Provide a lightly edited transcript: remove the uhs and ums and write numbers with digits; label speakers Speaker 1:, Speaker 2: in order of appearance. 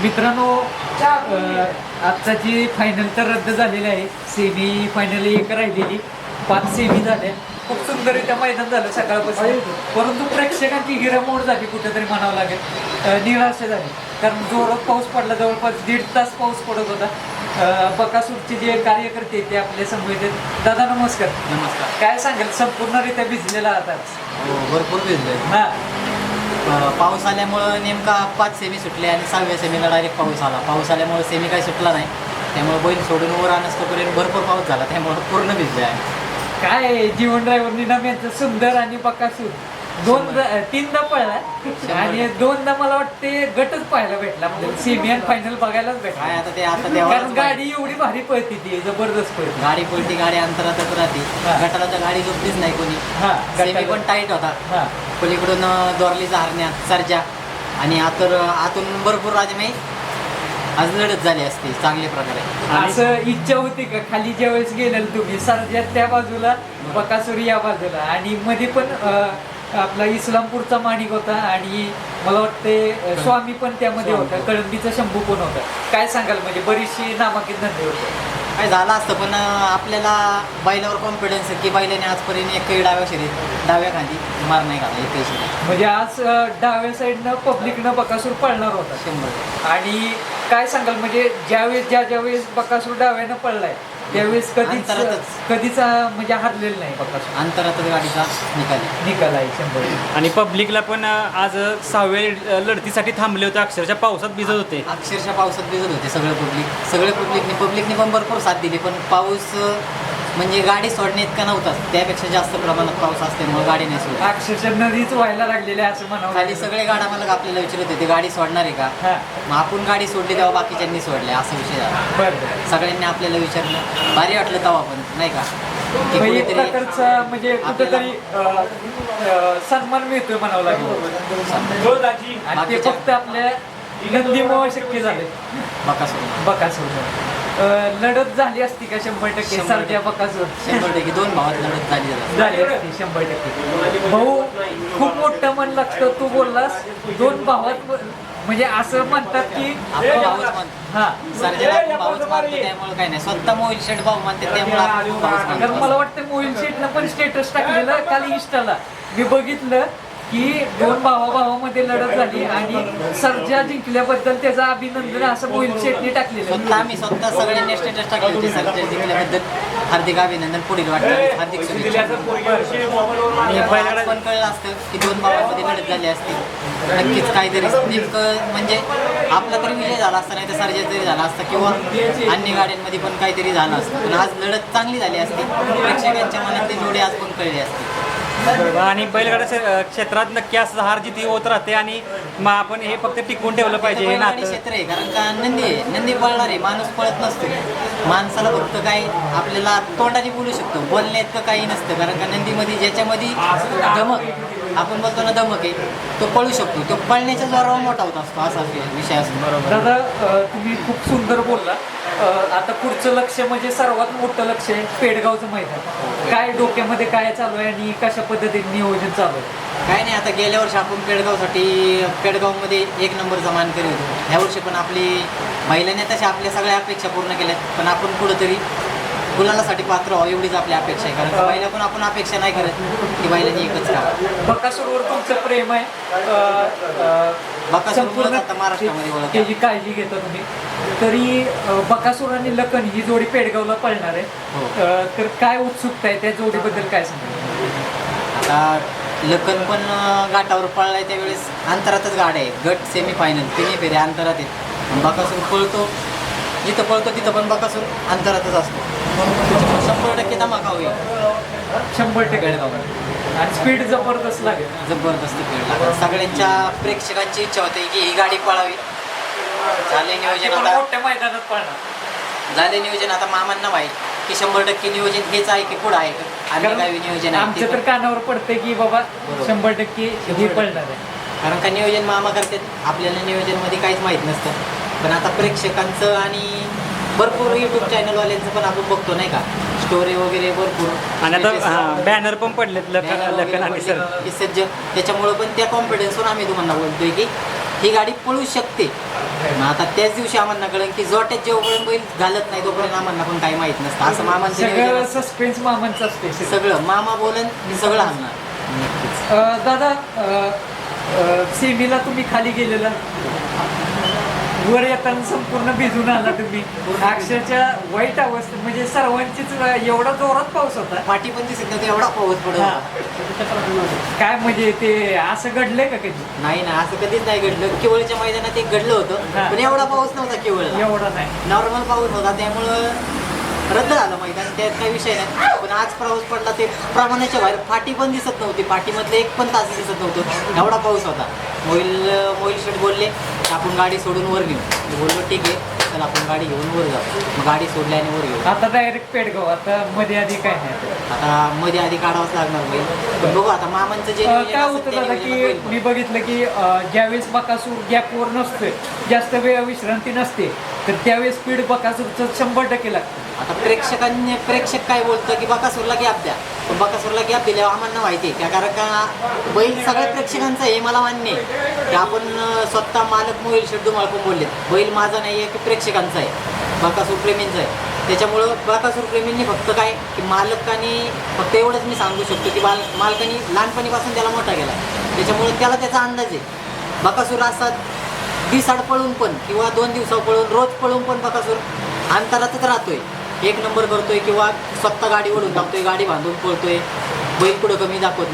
Speaker 1: मित्रांनो, आजचा जी फायनल तर रद्द झालेली आहे. सेमी फायनल एक राहिलेली, 5 सेमी झाल्या. खूप सुंदररित्या मैदान झालं सकाळपासून. परंतु प्रेक्षकांची हिरामोड झाली कुठेतरी म्हणावं लागेल. निराशा झाली, कारण जोरात पाऊस पडला. जवळपास 1.5 तास पाऊस पडत होता. बकासूरचे जे कार्यकर्ते ते आपल्या समोर येतात. दादा नमस्कार.
Speaker 2: नमस्कार.
Speaker 1: काय सांगाल, संपूर्णरित्या भिजलेला आता?
Speaker 2: हो, भरपूर भिजले.
Speaker 1: हां,
Speaker 2: पाऊस आल्यामुळं नेमका 5 सेमी सुटले आणि 6व्या सेमीला डायरेक्ट पाऊस आल्यामुळे सेमी काही सुटला नाही. त्यामुळे बैल सोडून वर आणस्तोपर्यंत भरपूर पाऊस झाला, त्यामुळे पूर्ण भिजले आहे.
Speaker 1: काय जीवन ड्रायव्हर निनाम यांचं सुंदर आणि बकासूर तीनदा पळला आणि 2दा मला वाटते गटच पाहायला भेटला. आपल्याला सेमी आणि फायनल बघायलाच भेटला.
Speaker 2: काय आता
Speaker 1: कारण
Speaker 2: देवालाच
Speaker 1: गाडी एवढी भारी पळती, ती जबरदस्त पळती.
Speaker 2: गाडी पलटी, गाडी अंतरातच राहते.
Speaker 1: हा.
Speaker 2: गटाला तर गाडी झोपलीच नाही कोणी.
Speaker 1: हा,
Speaker 2: सेमी पण टाईट होता.
Speaker 1: हा,
Speaker 2: पलीकडून दोरलीचा हरण्यात सर्जा आणि आतून भरपूर राजमे आज लढत झाली असती चांगल्या प्रकारे.
Speaker 1: असं इच्छा होती का खाली ज्यावेळेस गेलेल तुम्ही, सर्जात त्या बाजूला, बकासूर या बाजूला, आणि मध्ये पण आपला इस्लामपूरचा माणिक होता आणि मला वाटते स्वामी पण त्यामध्ये होता, कळंबीचा शंभू पण होता. काय सांगाल, म्हणजे बरीचशी नामांकित धंदे होते.
Speaker 2: काय झालं असतं, पण आपल्याला बैलावर कॉन्फिडन्स आहे की बैलाने आजपर्यंत एकही डाव्या खांदी मार नाही घाला एकही शरीर.
Speaker 1: म्हणजे आज डाव्या साईडनं पब्लिकनं बकासूर पळणार होता
Speaker 2: 100.
Speaker 1: आणि काय सांगाल, म्हणजे ज्यावेळेस बकासूर डाव्यानं पळलाय त्यावेळेस कधीच म्हणजे हरलेलं नाही बकासूर.
Speaker 2: अंतरातच गाडीचा
Speaker 1: निकाल आहे 100.
Speaker 3: आणि पब्लिकला पण आज 6व्या लढतीसाठी थांबले होते, अक्षरशः पावसात भिजत होते.
Speaker 2: अक्षरशः पावसात भिजत होते सगळे पब्लिकने पण भरपूर साथ दिली. पण पाऊस म्हणजे गाडी सोडणे इतका नव्हताच, त्यापेक्षा जास्त प्रमाणात पाऊस असल्यामुळे गाडी नाही सोडली.
Speaker 1: अक्षरशः नदीच व्हायला लागलेली आहे असं म्हणावं.
Speaker 2: खाली सगळे गाडा मला आपल्याला विचारत होते गाडी सोडणार आहे का.
Speaker 1: हा,
Speaker 2: मग आपण गाडी सोडली तेव्हा बाकीच्यांनी सोडल्या, असा विषय झाला.
Speaker 1: बरं.
Speaker 2: सगळ्यांनी आपल्याला विचारलं, भारी वाटलं तेव्हा पण नाही का, की
Speaker 1: म्हणजे एक
Speaker 2: कुठेतरी
Speaker 1: प्रकारचा म्हणजे कुठेतरी सन्मान मिळतोय म्हणावं लागेल. आणि ते फक्त आपल्या नंदीमुळे शक्य झाले. बकासूर लढत झाली असती का 100%? सरजा बकासूर
Speaker 2: 100% 2 भावात लढत
Speaker 1: झाली असती 100%. भाऊ, खूप मोठं मन लागतं. तू बोललास 2 भावात, म्हणजे असं म्हणतात की
Speaker 2: आपण भाऊच मानतो.
Speaker 1: हा,
Speaker 2: सर्जेला आपण भाऊच मानतो, त्यामुळे काय नाही. स्वतः मोहिल शेठ भाऊ मानते, त्यामुळे आपण भाऊच
Speaker 1: कारण
Speaker 2: मानतो.
Speaker 1: मला वाटतं मोहिल शेटनं पण स्टेटस टाकलेलं काल इंस्टाला. मी बघितलं की 2 भावामध्ये लढत झाली आणि सर्जा जिंकल्याबद्दल त्याचं अभिनंदन असं मोहिल शेटने टाकलेलं.
Speaker 2: आम्ही स्वतः सगळ्यांनी स्टेटस टाकले होते. सर्जा जिंकल्याबद्दल हार्दिक अभिनंदन, पुढील वाटतं हार्दिक शुभेच्छा. आणि आज पण कळलं असतं की 2 भावामध्ये लढत झाली असती, नक्कीच काहीतरी नेमकं म्हणजे आपला तरी विजय झाला असता, नाही तर सर्जा तरी झाला असता, किंवा अन्य गाड्यांमध्ये पण काहीतरी झालं असतं. पण आज लढत चांगली झाली असती, प्रेक्षकांच्या मनातली जोडी आज पण कळली असती.
Speaker 3: आणि बैलगाड्या क्षेत्रात नक्की असं हार जिती होत राहते आणि मग आपण हे फक्त टिकवून ठेवलं पाहिजे हे
Speaker 2: बैलगाडी
Speaker 3: नातं.
Speaker 2: क्षेत्र आहे, कारण का नंदी पळणार आहे, माणूस पळत नसतो. माणसाला फक्त काय आपल्याला तोंडाने बोलू शकतो, बोलण्या इतकं काही नसतं. कारण का नंदीमध्ये ज्याच्यामध्ये धमक, आपण बोलतो ना धमक आहे, तो पळू शकतो. तो पळण्याच्या जोरावर मोठा होत असतो, असा विषय असतो. बरोबर
Speaker 1: दादा, तुम्ही खूप सुंदर बोलला. आता पुढचं लक्ष म्हणजे सर्वात मोठं लक्ष आहे पेडगावचं मैदान. काय डोक्यामध्ये काय चालू आहे आणि कशा पद्धतीने नियोजन चालू आहे?
Speaker 2: काय नाही, आता गेल्या वर्षी आपण पेडगावमध्ये 1 नंबरचा मानकरी होतो. ह्या वर्षी पण आपली महिलांनी तशा आपल्या सगळ्या अपेक्षा पूर्ण केल्यात, पण आपण कुठंतरी गुलालासाठी पात्र व्हावं एवढीच आपली अपेक्षा आहे. कारण बैला पण आपण अपेक्षा नाही करत की बैलांनी एकच राहावं.
Speaker 1: बकासूरवर तुमचं प्रेम आहे.
Speaker 2: बकासूर आता महाराष्ट्रामध्ये ओळख आहे.
Speaker 1: त्याची काळजी घेता तुम्ही. तरी बकासूर आणि लखन ही जोडी पेडगावला पळणार आहे.
Speaker 2: हो.
Speaker 1: तर काय उत्सुकता आहे त्या जोडीबद्दल, काय सांगा?
Speaker 2: आता लखन पण घाटावर पळलाय, त्यावेळेस अंतरातच गाड्या आहेत. गट सेमी फायनल तिन्ही फेऱ्या अंतरात आहेत. बकासूर पळतो, जिथं पळतो तिथं पण बकासूर अंतरातच असतो. 100% धमाका होईल
Speaker 1: 100%. आणि स्पीड जबरदस्त लागेल.
Speaker 2: जबरदस्त खेळ लागला. सगळ्यांच्या प्रेक्षकांची इच्छा होती की ही गाडी पळावी. झाले नियोजन आता,
Speaker 1: मोठ्या मैदानात पळणार.
Speaker 2: झाले नियोजन आता मामांना माहीत की 100% नियोजन हेच आहे की पुढं आहे का आणि काय नियोजन आहे
Speaker 1: आमच्या
Speaker 2: ते
Speaker 1: तर
Speaker 2: पण.
Speaker 1: कानावर पडते की बाबा 100% हे पळणार आहे.
Speaker 2: कारण का नियोजन मामा करतात, आपल्याला नियोजनमध्ये काहीच माहीत नसतं. पण आता प्रेक्षकांचं आणि भरपूर यूट्यूब चॅनलवाल्यांचं पण आपण बघतो नाही का, स्टोरी वगैरे भरपूर.
Speaker 3: आणि आता बॅनर पण पडलेत लखन आणि सर.
Speaker 2: सज्ज, त्याच्यामुळं पण त्या कॉन्फिडन्सवर आम्ही तुम्हाला बोलतोय की ही गाडी पळू शकते. मग आता त्याच दिवशी आम्हाला कळलं की जोट्यात जेवढं बैल घालत नाही तोपर्यंत आम्हाला पण काही माहित नसतं असं मामांचं नियोजन
Speaker 1: सगळं
Speaker 2: असतं.
Speaker 1: सस्पेन्स मामांचं असते
Speaker 2: सगळं मामा बोलन मी सगळं आणणार.
Speaker 1: दादा सेमीला तुम्ही खाली गेलेला वर येताना संपूर्ण भिजून आला तुम्ही अक्षरच्या वाईट अवस्था म्हणजे सर्वांचीच एवढा जोरात पाऊस होता
Speaker 2: पाठी पण दिसत नव्हती एवढा पाऊस पडत
Speaker 1: हा.
Speaker 2: होता.
Speaker 1: काय म्हणजे ते असं घडलंय का कधी
Speaker 2: नाही ना असं कधीच नाही घडलं. केवळच्या मैदानात एक घडलं
Speaker 1: हा.
Speaker 2: होतं पण एवढा पाऊस नव्हता केवळ
Speaker 1: एवढा नाही
Speaker 2: नॉर्मल पाऊस होता त्यामुळं रद्द झालं मैदान त्यात काही विषय नाही. पण आज पाऊस पडला ते प्रमाणाच्या बाहेर फाटी पण दिसत नव्हती पाठीमधले एक पण तास दिसत नव्हतं एवढा पाऊस होता. मोईल शेट बोलले की आपण गाडी सोडून वर घेऊ. मी बोललो ठीक आहे चल आपण गाडी घेऊन वर जाऊ. मग गाडी सोडली आणि वर घेऊ.
Speaker 1: आता डायरेक्ट पेडगाव आता मध्ये आधी काय नाही
Speaker 2: आता मध्ये आधी काढावंच लागणार बैल पण बघू आता मामांचं जे नियोजन
Speaker 1: काय
Speaker 2: असेल
Speaker 1: होतं
Speaker 2: त्या
Speaker 1: दादा
Speaker 2: नियोजनात
Speaker 1: की
Speaker 2: बैल
Speaker 1: मी बघितलं की ज्यावेळेस बकासूर गॅपवर नसतोय जास्त वेळ विश्रांती नसते तर त्यावेळेस स्पीड बकासूरचं 100% लागतं.
Speaker 2: आता प्रेक्षक काय बोलतं की बकासूरला गॅप द्या पण बकासूरला गॅप दिल्यावर आम्हाला माहिती आहे कारण का बैल सगळ्या प्रेक्षकांचा आहे मला मान्य आहे की आपण स्वतः मालक मोबाईल शेट तुम्हाला पण बोलले बैल माझा नाही आहे की प्रेक्षकांचा आहे बकासूर प्रेमींचा आहे. त्याच्यामुळं बकासूर प्रेमींनी फक्त काय की मालकाने फक्त एवढंच मी सांगू शकतो की मालकाने लहानपणीपासून त्याला मोठा केला त्याच्यामुळं त्याला त्याचा अंदाज आहे. बकासूर असा दिसाड पळून पण किंवा 2 दिवसावर पळून रोज पळून पण बकासूर अंतरातच राहतोय. 1 नंबर करतोय किंवा स्वतः गाडी ओढून टाकतोय गाडी बांधून पळतोय बैल पुढं कमी दाखवत नाही.